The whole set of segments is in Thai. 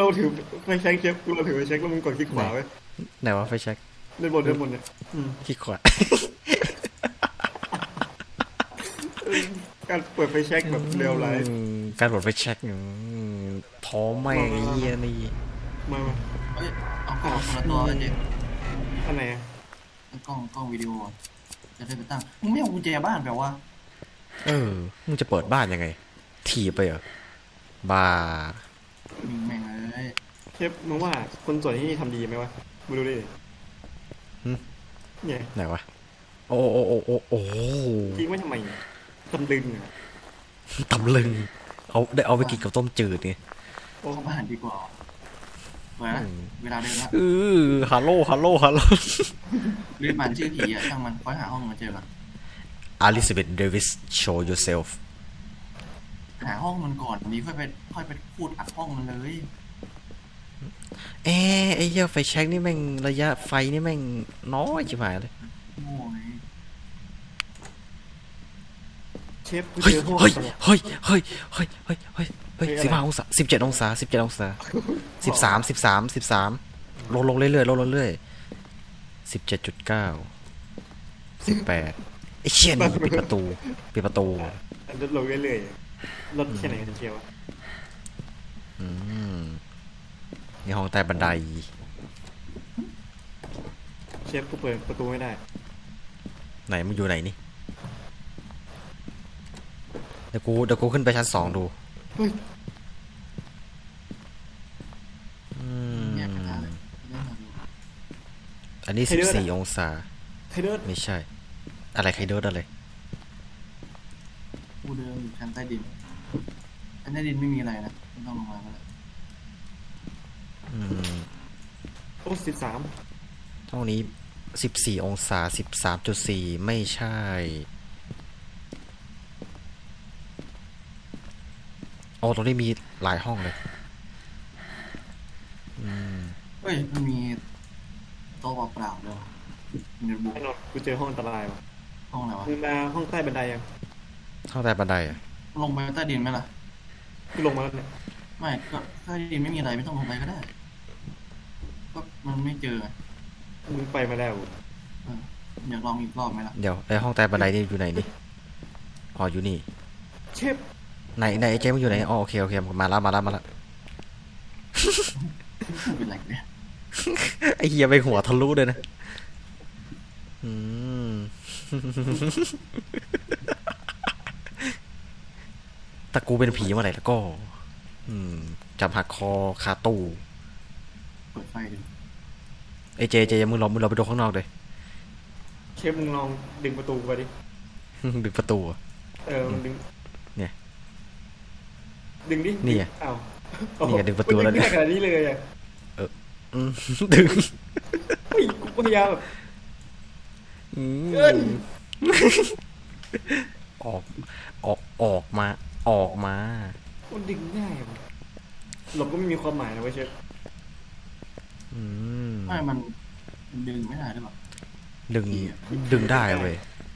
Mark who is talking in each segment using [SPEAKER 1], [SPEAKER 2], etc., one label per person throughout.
[SPEAKER 1] เราถือไฟแช็กเชฟเราถือไฟแช็กแล้วมึงกดคลิกขวาไว้
[SPEAKER 2] ไหนวะไฟแช็ก
[SPEAKER 1] ด้านบนเนี่ย
[SPEAKER 2] คลิกขวา
[SPEAKER 1] เออการเปิดไฟแช็กแบบเรียลไลฟ์
[SPEAKER 2] การกดไฟแช็กท้อแม่งไอ้เหี้ยนี่
[SPEAKER 1] มา
[SPEAKER 3] เอ้ยเอากล้องคนละตัวเจ๊
[SPEAKER 1] อันไหนอะ
[SPEAKER 3] กล้องวิดีโอจะได้ไปตั้งมึงไม่เอากุญแจบ้านแบบว่า
[SPEAKER 2] มึงจะเปิดบ้านยังไงถีบไปเหรอบ้า
[SPEAKER 3] มึงแม่งเลย
[SPEAKER 1] เชฟมึงว่าคนส่วนที่นี่ทำดีไหมวะมึงดูดิเนี่ย
[SPEAKER 2] ไหนวะโอ้โอ้โอ้โอ้โอ้
[SPEAKER 1] ทิ้งไว้ทำไมตำลึงอะ
[SPEAKER 2] ตำลึงเอาไปกินกับต้มจืดไง
[SPEAKER 3] เข้าบ้านดีกว่าเปิดนะเวลาเดินละ
[SPEAKER 2] ฮัลโหลฮัลโหลฮัลโหล
[SPEAKER 3] เรียกมันชื่อผีอ่ะช่างมันค่อยหาห้องมาเจอละ
[SPEAKER 2] Elizabeth Davis show yourself
[SPEAKER 3] หาห้องมันก่อนนี้ค่อยไปพูดอัดห้องมันเลย
[SPEAKER 2] ไอ้เหี้ยไฟแช็กนี่แม่งระยะไฟนี่แม่งน้อยชิบหายเลย
[SPEAKER 3] โง่ไง
[SPEAKER 1] เชฟกู
[SPEAKER 2] เฮ้ย
[SPEAKER 1] เจอห้อง
[SPEAKER 2] เฮ้ยเฮ้ยเฮ้ยเฮ้ยเฮ้ยเฮ้ยเฮ้ย15 องศา17 องศา13ลงเรื่อยๆลงเรื่อยๆ17.9 18ไอ้เชี่ยนี่ปิดประตู
[SPEAKER 1] ลดลงเรื่อยๆลดแค่ไหนกันเชียววะ
[SPEAKER 2] นี่ห้องใต้บันได
[SPEAKER 1] เชฟกูเปิดประตูไม่ได้
[SPEAKER 2] ไหนมึงอยู่ไหนนี่เดี๋ยวกูขึ้นไปชั้น2ดู
[SPEAKER 1] เฮ้ย
[SPEAKER 3] เนี่ยกระดาษเลยเรื่องมาดู
[SPEAKER 2] อันนี้14 องศา
[SPEAKER 1] ใครเดิน
[SPEAKER 2] ไม่ใช่อะไรใครเดินอะไร
[SPEAKER 3] กูเดินอยู่ชั้นใต้ดินไม่มีอะไรนะไม่ต้องลงมาแล้ว
[SPEAKER 1] โอ้13
[SPEAKER 2] ห้องนี้14 องศา13.4ไม่ใช่โอ้ตรงนี้มีหลายห้องเลย
[SPEAKER 3] เฮ้ยมันมีโต๊ะเปล่าๆเลยมีโน้ตบุ๊ก
[SPEAKER 1] ไอ้นนท์กูเจอห้องอันตรายวะ
[SPEAKER 3] ห้องอะไรวะ
[SPEAKER 1] มึงมาห้องใต้บันไดยัง
[SPEAKER 2] ห้องใต้บันไดอ่ะ
[SPEAKER 3] ลงไปใต้ดินไหมล่ะ
[SPEAKER 1] กูลงมาแล้วเนี่ย
[SPEAKER 3] ไม่ก็ใต้ดินไม่มีอะไรไม่ต้องลงไปก็ได้ก็มันไม่เจอไง
[SPEAKER 1] มึงไปมาแล้ว
[SPEAKER 3] เอออยากลองอีกรอบไหมล่ะ
[SPEAKER 2] เดี๋ยวไอห้องใต้บันไดนี่อยู่ไหนนี่อ๋ออยู่นี่
[SPEAKER 1] เชฟ
[SPEAKER 2] ไหนไอ้เจมส์อยู่ไหนอ๋อโอเคมาแล้ว
[SPEAKER 3] เป็นไรเนี่ย
[SPEAKER 2] ไอ้เหี้ยไปหัวทะลุเลยนะถ้ากูเป็นผีเมื่อไหร่แล้วก็จับหักคอคาตู้
[SPEAKER 3] เปิดไฟดู
[SPEAKER 2] ไอ้เจมึงลองไปดูข้างนอกเลย
[SPEAKER 1] เชฟมึงลองดึงประตูไปดิ
[SPEAKER 2] ดึงประตูอะ
[SPEAKER 1] มึงดึง
[SPEAKER 2] เนี่ย
[SPEAKER 1] ดึงดิ
[SPEAKER 2] นี่ไง
[SPEAKER 1] อ้าว
[SPEAKER 2] นี่ไงดึงประตูแล้ว
[SPEAKER 1] เนี่ยขนาดนี้เลยอ่ะ
[SPEAKER 2] ดึง
[SPEAKER 1] เฮ้ยกูพยายามแบบ
[SPEAKER 2] เกินออกมา
[SPEAKER 1] มันดึงง่ายอะหลบก็ไม่มีความหมายนะเว้ยเชฟ
[SPEAKER 3] ไม่มันดึงไม่ได้หรือเปล่า
[SPEAKER 2] ดึงได้เว้ย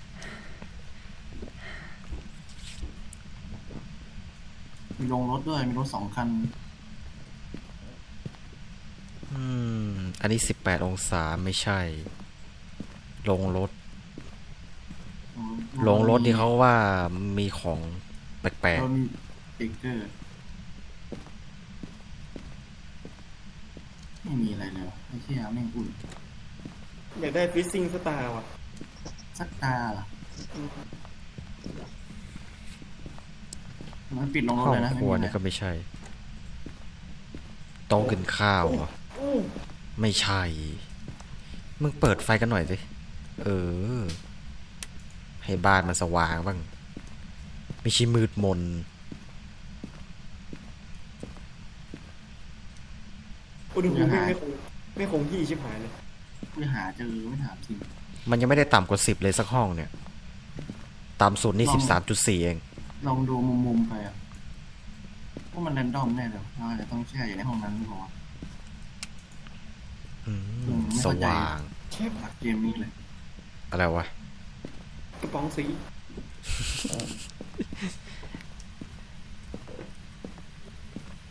[SPEAKER 3] มีลงรถด้วยมีรถ2 คัน
[SPEAKER 2] อันนี้18 องศาไม่ใช่ ลงรถนี่เขาว่ามีของแปลก
[SPEAKER 3] เรามีเบเกอร์ไม่มีอะไรเลยวะไม่เชื่อแม่งอุ่น
[SPEAKER 1] อยากได้ฟิซซิ่งสตาร์ว่ะ
[SPEAKER 3] สักตาล่ะมันปิดลง
[SPEAKER 2] ๆ
[SPEAKER 3] รถ
[SPEAKER 2] ห้อง
[SPEAKER 3] เลยนะ
[SPEAKER 2] ครัว
[SPEAKER 3] ไม่มี
[SPEAKER 2] นี่
[SPEAKER 3] อะไร
[SPEAKER 2] ก็ไม่ใช่โต๊ะกินข้าวเหรอไม่ใช่ มึงเปิดไฟกันหน่อยสิให้บ้านมันสว่างบ้างไม่ใช่มืดมน
[SPEAKER 1] อุณหภูมิไม่คงที่ชิบหายเลย
[SPEAKER 3] ไม่หาเจอไม่ถามจริง
[SPEAKER 2] มันยังไม่ได้ต่ำกว่า10เลยสักห้องเนี่ยต่ำสุดนี่13.4เอง
[SPEAKER 3] ลองดูมุมๆไปอ่ะว่ามันแรนดอมแน่เลยเราอาจจะต้องแช่อยู่ในห้องนั้นหรือเปล่า ไม่
[SPEAKER 2] ส
[SPEAKER 3] เข้าใจ
[SPEAKER 2] ว่าง
[SPEAKER 1] เชฟ
[SPEAKER 3] หลักเกมนี้เลย
[SPEAKER 2] อะไรวะ
[SPEAKER 1] กระป๋องสี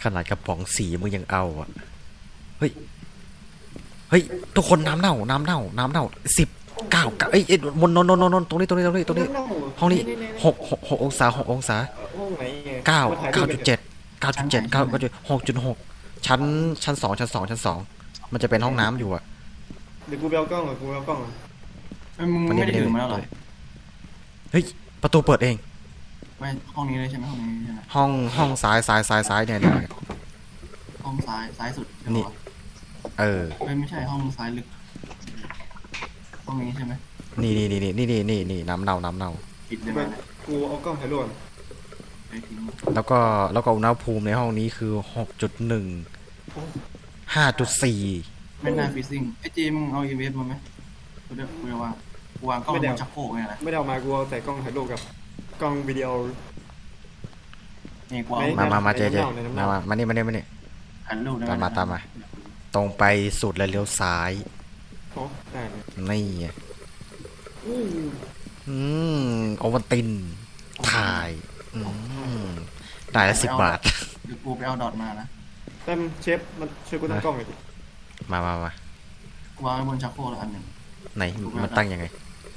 [SPEAKER 2] ขนาดกระป๋องสีมึงยังเอาอ่ะเฮ้ยเฮ้ยทุกคนน้ำเน่า19เอ้ยบนนตรงนี้ห้องนี้6 องศา6 องศา
[SPEAKER 1] ห้องไหนไง
[SPEAKER 2] 6.6 ชั้น 2 มันจะเป็นห้องน้ำอยู่อ่ะ
[SPEAKER 1] เดี๋ยวกูไปเอากล้องก่อนกูไปเอากล้องก่อน
[SPEAKER 3] มึงไม่ได้ถือมาแล้วเหรอ
[SPEAKER 2] เฮ้ยประตูเปิดเอง
[SPEAKER 3] ไปห้องนี้เลยใช่ไหมห้องนี้ใช่ไหม
[SPEAKER 2] ห้องซ้ายเนี่ย
[SPEAKER 3] ห้องซ้ายสุด
[SPEAKER 2] นี่ เออ
[SPEAKER 3] ไม่ใช่ห้องซ้ายลึกห้องนี้ใช่ไหม
[SPEAKER 2] นี่น้ำเน่า
[SPEAKER 3] ปิดได้
[SPEAKER 1] ไป
[SPEAKER 3] ไหม
[SPEAKER 1] กูเอากล้องถ่ายรูปก่อน
[SPEAKER 3] ไปทิ้ง
[SPEAKER 2] แล้วก็อุณหภูมิในห้องนี้คือ 6.1 5.4
[SPEAKER 3] ไม่น่าฟิซซิ่งไอ้เจมึงเอาอีเวฟมาไหมกูจะวางกล้องบนชักโครกไงนะ
[SPEAKER 1] ไม่ได้เอามากูเอาแต่กล้องถ่ายรูปกับกล้องวิดีโอ
[SPEAKER 3] นี่กูเอา
[SPEAKER 2] มาเจ
[SPEAKER 1] ในน้ำเน่า
[SPEAKER 2] มานี่
[SPEAKER 3] ถ่ายรูปได้
[SPEAKER 2] ตามมา ตรงไปสุดแล้วเลี้ยวซ้าย
[SPEAKER 1] โอ้ได้เลย
[SPEAKER 2] นี่ไง
[SPEAKER 1] อู้
[SPEAKER 2] โอวัลตินถ่ายได้ละ10 บาท
[SPEAKER 3] เดี๋ยวกูไปเอาดอทมานะ
[SPEAKER 1] แต่เชฟมันช่วยกูตั้งกล้องหน่อยดิ
[SPEAKER 2] มา
[SPEAKER 3] กูวางไว้บนชักโครกแล้วอันหนึ่ง
[SPEAKER 2] ไหนมันตั้งยังไง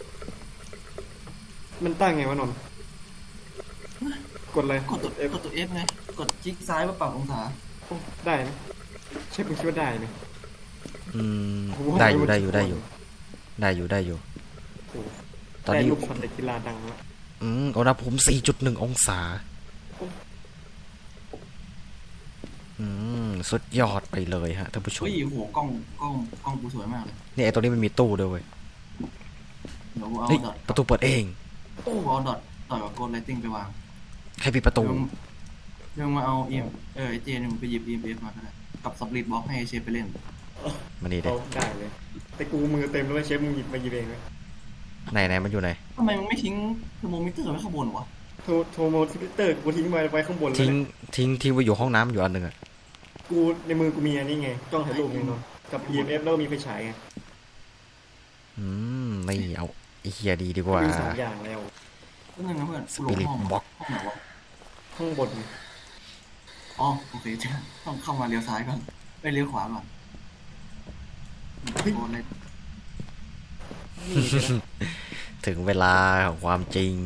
[SPEAKER 1] มันตั้งไงวะนนท์กดเลย
[SPEAKER 3] กดตัว F ไงกดคลิกซ้ายเพื่อปรับองศา
[SPEAKER 1] โอ้ได้นะเชฟมึงคิดว่าได้ไหม
[SPEAKER 2] ได้อยู่
[SPEAKER 1] โอ้
[SPEAKER 2] ตอน
[SPEAKER 1] ได้
[SPEAKER 2] นี้
[SPEAKER 1] ลูกช็อตแต่กีฬาดังแล้ว
[SPEAKER 2] อุณหภูมิ 4.1 องศาสุดยอดไปเลยฮะท่านผู้ชม
[SPEAKER 3] เฮ้ยโหกล้องกูสวยมากเลย
[SPEAKER 2] นี่ไอตัวนี้มันมีตู้ด้วยเว้ย
[SPEAKER 3] เดี๋ยวกูเอา
[SPEAKER 2] เฮ้ย
[SPEAKER 3] ดอท
[SPEAKER 2] ประตูเปิดเอง
[SPEAKER 3] กูเอาดอทต่อยกับโกลไลติ้งไปวาง
[SPEAKER 2] ใครปิดประตู
[SPEAKER 3] เดี๋ยวมาเอาไอเจนึงไปหยิบ EMF มาก็ได้กับสปริตบล็อกให้เชฟไปเล่น
[SPEAKER 2] มานี่เด็
[SPEAKER 1] เอาได้เลยแต่กูมือเต็มแล้วเชฟมึงหยิบมาหยิบเองเลย
[SPEAKER 2] ไหนมันอยู่ไหน
[SPEAKER 3] ทำไมมึงไม่ทิ้งเทอร์โมมิเตอร์ไว้ข้างบนวะ
[SPEAKER 1] โทรโมทิเตอร์กูทิ้งไว้ข้างบนเลย
[SPEAKER 2] ทิ้งไว้อยู่ห้องน้ำอยู่อันหนึ่งอ่ะ
[SPEAKER 1] กูในมือกูมีอันนี้ไงกล้องถ่ายรูปไงนนท์กับ EMF แล้วก็มีไฟฉายไง
[SPEAKER 2] ไม่เอาไอเฮียดีกว่า
[SPEAKER 1] มี3อย่างแล้ว
[SPEAKER 3] ก็นั่นนะเพื่อน
[SPEAKER 2] ส
[SPEAKER 3] กูหล
[SPEAKER 2] ปิ
[SPEAKER 3] ง
[SPEAKER 2] ริต
[SPEAKER 3] ห้อง
[SPEAKER 2] บ็อก
[SPEAKER 3] ห้องไหนวะ
[SPEAKER 1] ข้างบน
[SPEAKER 3] อ๋อโอเคจ้ะต้องเข้ามาเลี้ยวซ้ายก่อนไปเลี้ยวขวาก่อนโกลไล
[SPEAKER 2] ถึงเวลาของความจริง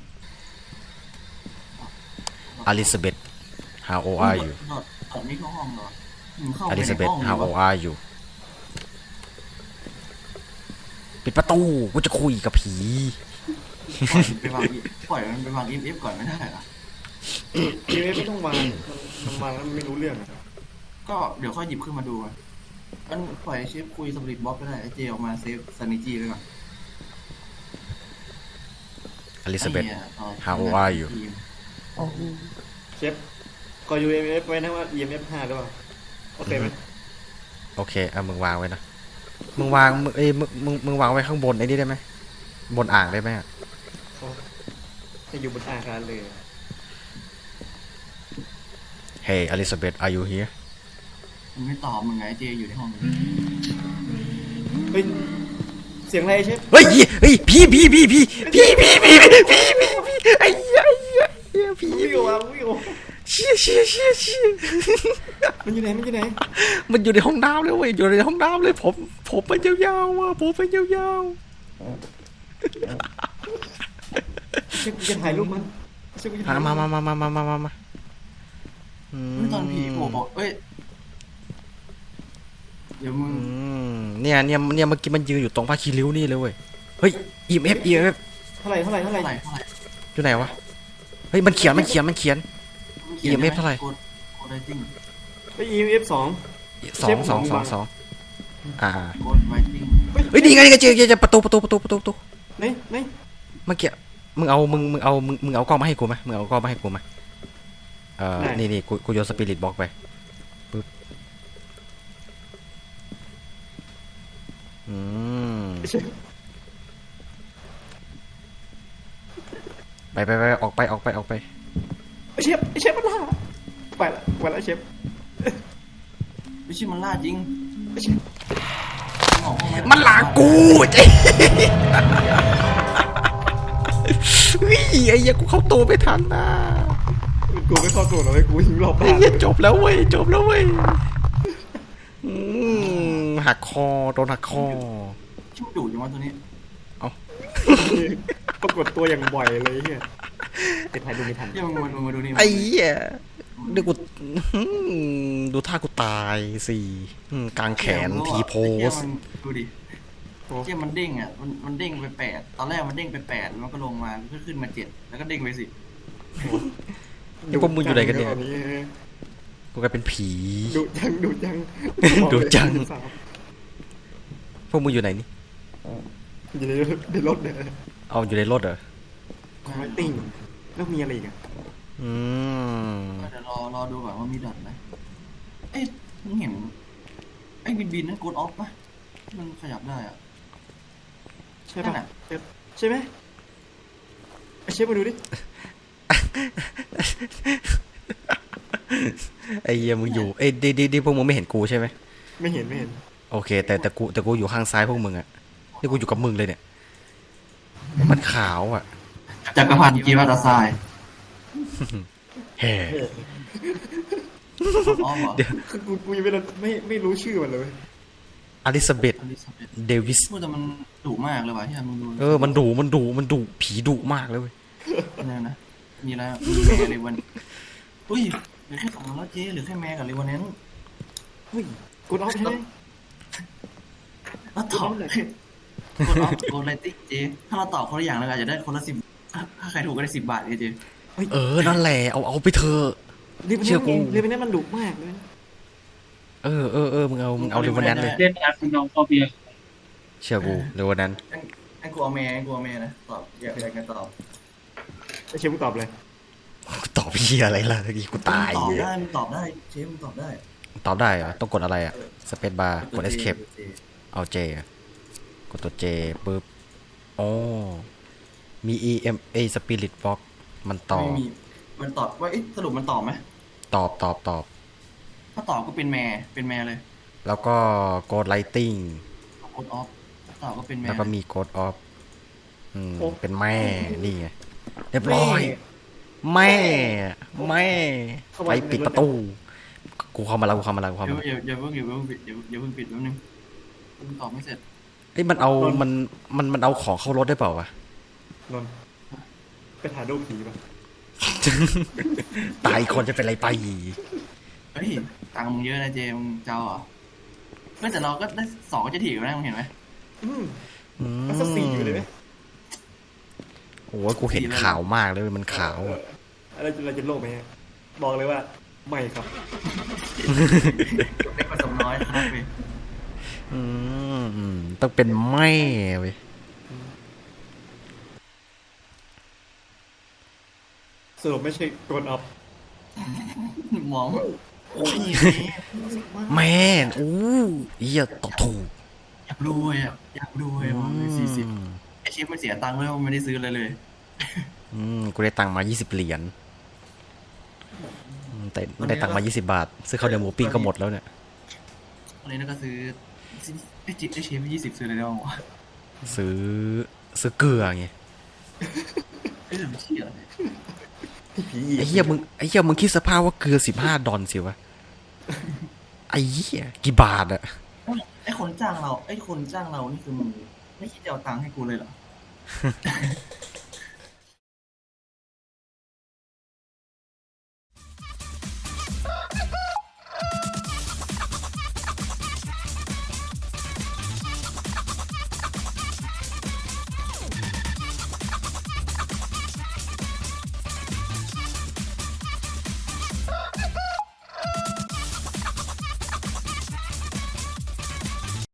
[SPEAKER 2] อลิซาเบธ how old are you
[SPEAKER 3] ดอทนี่เข้าห้องเหรอเข้า
[SPEAKER 2] อ
[SPEAKER 3] ไป
[SPEAKER 2] ลิ
[SPEAKER 3] ใน
[SPEAKER 2] ซาเบธ
[SPEAKER 3] ห้อง
[SPEAKER 2] how old are you ปิดประตูกูจะคุยกับผี
[SPEAKER 3] ปล่อยมันไปวาง EMF ก่อนไม่ได้เหรอ
[SPEAKER 1] EMF ไม่ต้องวางมันวางแล้วมันไม่รู้เรื่องอะ
[SPEAKER 3] ก็เดี๋ยวค่อยหยิบขึ้นมาดูมันปล่อยเชฟคุยสปริตบล็อกก็ได้ไอเจออกมาเซฟซานิจีไว้ก่อน
[SPEAKER 2] อลิซาเบธ how old are you
[SPEAKER 1] เชฟก็ EMF ไว้นะว่า EMF 5ด้วยโอเคไหม
[SPEAKER 2] โอเคมึงวางไว้นะมึงวางไว้ข้างบนไอ้นี่ได้ไหมบนอ่างได้ไหม
[SPEAKER 1] จะอยู่บนอาคารเลย
[SPEAKER 2] Hey Elizabeth are you here
[SPEAKER 3] มันไม่ตอบมึงไงไอเจอยู่ในห้อง
[SPEAKER 1] เฮ้ยเสียงอะไรเชฟ
[SPEAKER 2] เฮ้ยพี่ไอ้เหี้ยพี่
[SPEAKER 1] วิ่งออกมาวิ่งออก
[SPEAKER 2] เชี่ย
[SPEAKER 1] มันอยู่ไหน
[SPEAKER 2] มันอยู่ในห้องน้ำเลยเว้ยอยู่ในห้องน้ำเลยผมเป็นยาวๆอ่ะผมเป็นยาว
[SPEAKER 1] เชฟจะถ่ายรูปมันเชฟจะ
[SPEAKER 2] ๆ
[SPEAKER 1] ถ่าย
[SPEAKER 2] มา
[SPEAKER 3] ตอนผีโผล่บอกเอ้ยเดี๋ยวมึง
[SPEAKER 2] เนี่ยเมื่อกี้มันยืนอยู่ตรงผ้าคีริ้วนี่เลยเว้ยเฮ้ย EMF
[SPEAKER 1] เท่าไหร่
[SPEAKER 2] อยู่ไหนวะเฮ้ยมันเขียน EMF เท่าไหร่
[SPEAKER 3] โกลไลติ้ง
[SPEAKER 1] ไป EMF 2
[SPEAKER 2] 2
[SPEAKER 3] โกลไลติ้ง
[SPEAKER 2] เฮ้ยนี่ไงเจอประตู
[SPEAKER 1] ไหน
[SPEAKER 2] เมื่อกี้มึงเอากล้องมาให้กูไหมมึงเอากล้องมาให้กูไหมนี่กูโยนสปิริตบล็อกไปปึ๊บไปออกไป
[SPEAKER 1] เชฟมันล่าไปละเชฟ
[SPEAKER 3] ไม่ใช่มันล่าจริง
[SPEAKER 2] มันหลากูเจ๊เฮ้ยไอ้เหี้ยกูเข้าตัวไม่ทันนะ
[SPEAKER 1] กูไม่เข้าตัวหรอกเลยกูหิวรอบบ้าน
[SPEAKER 2] เหี้ยจบแล้วเว้ยจบแล้วเว้ยอืหักคอโดนหักคอ
[SPEAKER 3] ชิวดุจังวะตัวนี้
[SPEAKER 1] ปรากฏตัวอย่างบ่อยเลยเฮียไอ้พายดูไม่ทัน
[SPEAKER 3] เดี๋ยวมาดูนี่
[SPEAKER 2] ไอ้เหี้ยนี่กูดูท่ากูตายสิกลางแขนทีโพส
[SPEAKER 3] ดูดิเจ้ามันเด้งอ่ะมันเด้งไป8ตอนแรกมันเด้งไป8มันก็ลงมาขึ้นมา7แล้วก็เด้งไป10
[SPEAKER 2] พวกมึงอยู่ไหนกันเนี่ยกูกลายเป็นผี
[SPEAKER 1] ดูจัง
[SPEAKER 2] ดูจัง พวกมึงอยู่ไหนนี่
[SPEAKER 1] อยู่ในรถเนี่ย
[SPEAKER 2] เอาอยู่ในรถเหรอ
[SPEAKER 1] คอยติ้งแล้วมีอะไรอีกอ่ะ
[SPEAKER 2] อืม
[SPEAKER 3] เดี๋ยวรอดูก่อนว่ามีดอทไหมเอ๊ะมึงเห็นไอ้บินนั่นกดออฟปะมันขยับได้อ่ะ
[SPEAKER 1] ใช่
[SPEAKER 3] นั่
[SPEAKER 1] ปะ
[SPEAKER 3] นน่ะ
[SPEAKER 1] ใช่ไหมไอเชฟมาดูดิ
[SPEAKER 2] ไอ้เหี้ยมึงอยู่เอ้ยดีพวกมึงไม่เห็นกูใช่ไหม
[SPEAKER 1] ไม่เห็น
[SPEAKER 2] โอเค แต่กูอยู่ข้างซ้ายพวกมึงอะนี่กูอยู่กับมึงเลยเนี่ย มันขาวอะ
[SPEAKER 3] จักรพันธ์กีวาตาทราย
[SPEAKER 2] แฮ่
[SPEAKER 3] กดออฟเหรอ
[SPEAKER 1] คือกูยังไม่รู้ชื่อมันเลย
[SPEAKER 2] อลิซาเบธ
[SPEAKER 3] อลิซาเบธ
[SPEAKER 2] เดวิส
[SPEAKER 3] พูดแต่มันดุมากเลยว่ะที่มึงดู
[SPEAKER 2] มันดุผีดุมากเลยเว้ย
[SPEAKER 3] เนี่ยนะมีอะไรมีแม่เลวันอุ้ยเหลือแค่2แล้วเจ๊เหลือแค่แม่กับเลวันนั้น
[SPEAKER 1] เฮ้ยกดออฟใช่ไหม
[SPEAKER 3] แล้วตอบกดออฟกดไลติ้งเจ๊ถ้าเราตอบคนละอย่างเราอาจจะได้คนละ10ถ้าใครถูกก็ได้10 บาทเจ๊
[SPEAKER 2] นั่นแหละเอาไปเถอะ เชื่อกู
[SPEAKER 1] เรียนไปนี่มันดุมากเลย
[SPEAKER 2] มึงเอาเร็ววันนั้นเลย
[SPEAKER 4] เล่นแอปน้องฟอเบีย
[SPEAKER 2] เชื่อกูเร็ววันนั้น
[SPEAKER 3] ไอ้กูเอาแม่นะตอบอยากกันตอบ
[SPEAKER 1] ไอเชฟมึงตอบเลย
[SPEAKER 2] ตอบพี่อะไรล่ะตะกี้กูตาย
[SPEAKER 3] ตอบได้มึงตอบได้เจ๊มึงตอบได้
[SPEAKER 2] ตอบได้เหรอต้องกดอะไรอะสเปซบาร์กด escape เอา J อะกดตัว J ปุ๊บอ๋อมี EMA Spirit Box มันตอบ
[SPEAKER 3] ไม่มีมันตอบว่าสรุปมันตอบไหม
[SPEAKER 2] ตอบ
[SPEAKER 3] ถ้าตอบก็เป็นแม่เลย
[SPEAKER 2] แล้วก็ Code Lighting
[SPEAKER 3] กดออฟตอบก็เป็นแม่
[SPEAKER 2] แล้วก็มี Code Off เป็นแม่ นี่ไง เรียบร้อย แม่ไปปิดประตู กูเข้ามาแล้ว
[SPEAKER 3] อย่าเพิ่งปิดแป๊บนึงมึงตอบไม่เสร็จ
[SPEAKER 2] เอ้ยมันเอาของเข้ารถได้เปล่าวะ
[SPEAKER 1] นนท์ไปถ่ายรูปผีป่ะ
[SPEAKER 2] ตายคนจะเป็นไรไป
[SPEAKER 3] เฮ้ยตังค์มึงเยอะนะเจมึงเจ้าเหรอไม่แต่เราก็ได้2ก็จะถีบนะมึงเห็นไหม
[SPEAKER 1] มันสัก4อยู่เลยไหม
[SPEAKER 2] โอ้ยกูเห็นขาวมากเลยมันขาวอะ
[SPEAKER 1] อะไรจะโลภไหมฮะบอกเลยว่าไม่ครับ
[SPEAKER 3] เล็กผสมน้อยครับพี่
[SPEAKER 2] ต้องเป็นแม่เว้ย
[SPEAKER 1] สรุปไม่ใช่กดออฟ
[SPEAKER 3] มองโอ้ย
[SPEAKER 2] แม่อู้เหี้ยตอบถูก
[SPEAKER 3] อยากรวยมอง40ไอเชฟมันเสียตังค์แล้วมันไม่ได้ซื้ออะไรเลย
[SPEAKER 2] กูได้ตังค์มา20 เหรียญแต่ได้ตังค์มา20 บาทซื้อข้าวเหนียวหมูปิ้งก็หมดแล้วเนี่ย
[SPEAKER 3] อะไรนั่นก็ซื้อไอเชฟ20ซื้ออะไรได้บ้างวะ
[SPEAKER 2] ซื้อเกลือไง
[SPEAKER 3] เอ้ยมันเชี่ยอะไร
[SPEAKER 1] ผี
[SPEAKER 2] ไอ้เหี้ยมึงคิดสภาพว่าเกลือ15 ดอลสิวะไอ้เหี้ยกี่บาทอะ
[SPEAKER 3] ไอคนจ้างเรานี่คือมึงไม่คิดจะเอาตังค์ให้กูเลยเหรอ